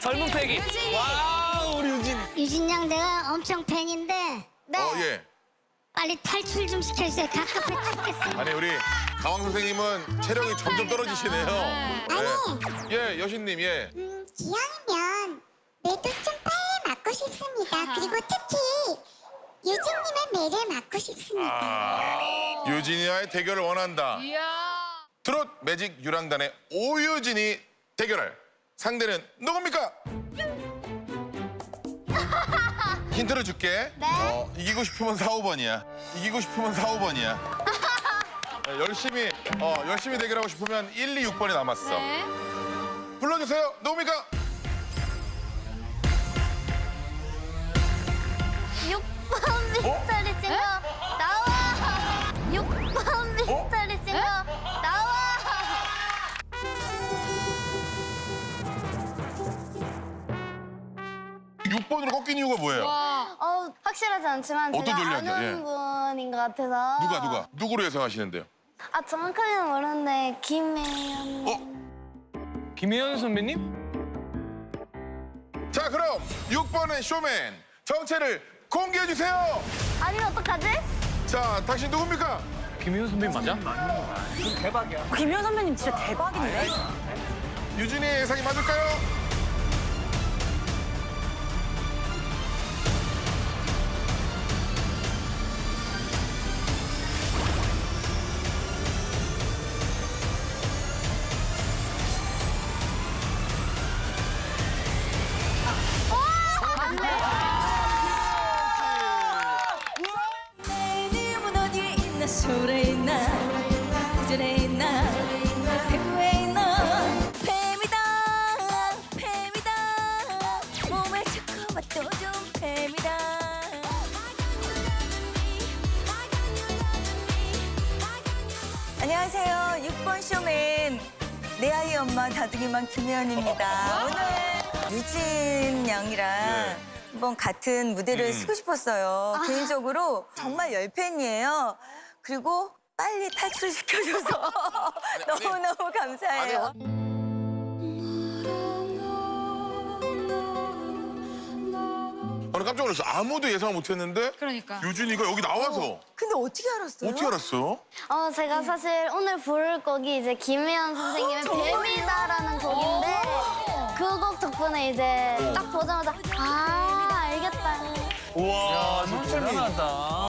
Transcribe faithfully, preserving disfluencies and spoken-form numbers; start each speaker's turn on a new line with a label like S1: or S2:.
S1: 젊은 패기. 와, 우리 유진.
S2: 유진 양 내가 엄청 팬인데 네.
S3: 어, 예.
S2: 빨리 탈출 좀 시켜주세요. 갑갑해 죽겠습니다.
S3: 아니, 우리 가왕 선생님은 체력이 점점 떨어지시네요. 네. 예, 여신님, 예.
S2: 음, 기왕이면 매도 좀 빨리 맞고 싶습니다. 그리고 특히 유진님의 매를 맞고 싶습니다.
S3: 아, 유진이와의 대결을 원한다.
S4: 이야.
S3: 트롯 매직 유랑단의 오유진이 대결할 상대는 누굽니까? 힌트를 줄게.
S2: 네.
S3: 어, 이기고 싶으면 사, 오 번이야. 이기고 싶으면 사, 오 번이야. 열심히, 어, 열심히 대결하고 싶으면 일, 이, 육 번이 남았어.
S4: 네.
S3: 불러주세요. 누굽니까?
S2: 육 번 미스터리 싱어 나와. 육 번 미스터리 싱어 나와.
S3: 육 번으로 꺾인 이유가 뭐예요?
S4: 와.
S2: 어 확실하지 않지만
S3: 어떤
S2: 제가
S3: 논리학이야?
S2: 아는
S3: 예.
S2: 분인 것 같아서.
S3: 누가, 누가? 누구로 예상하시는데요?
S2: 아 정확하게는 모르는데 김혜연.
S3: 어?
S1: 김혜연 선배님?
S3: 자, 그럼 육 번의 쇼맨 정체를 공개해주세요.
S2: 아니면 어떡하지?
S3: 자, 당신 누굽니까?
S1: 김혜연 선배님 맞아?
S5: 김현 선배님 진짜 대박인데?
S3: 유진이의 예상이 맞을까요?
S5: 내 님은 어디에 있나 소래 있나 구절에 있나 배구에 있나 뱀이다 뱀이다 몸에 좋고 맛도 좋은 뱀이다. 안녕하세요. 육 번 쇼맨 내 아이 엄마 다둥이맘 김혜연입니다. 오늘 유진 양이랑
S3: 네.
S5: 한번 같은 무대를
S3: 음.
S5: 쓰고 싶었어요. 개인적으로 정말 열팬이에요. 그리고 빨리 탈출시켜줘서 너무너무 감사해요.
S3: 저는 깜짝 놀랐어. 아무도 예상을 못했는데
S4: 그러니까.
S3: 유진이가 여기 나와서
S5: 근데 어떻게 알았어요?
S3: 어떻게 알았어요?
S2: 어 제가 사실 오늘 부를 곡이 이제 김혜연 선생님의 뱀이다라는 곡인데 그 곡 덕분에 이제 딱 보자마자 아 알겠다.
S1: 우와, 진짜 대단하다.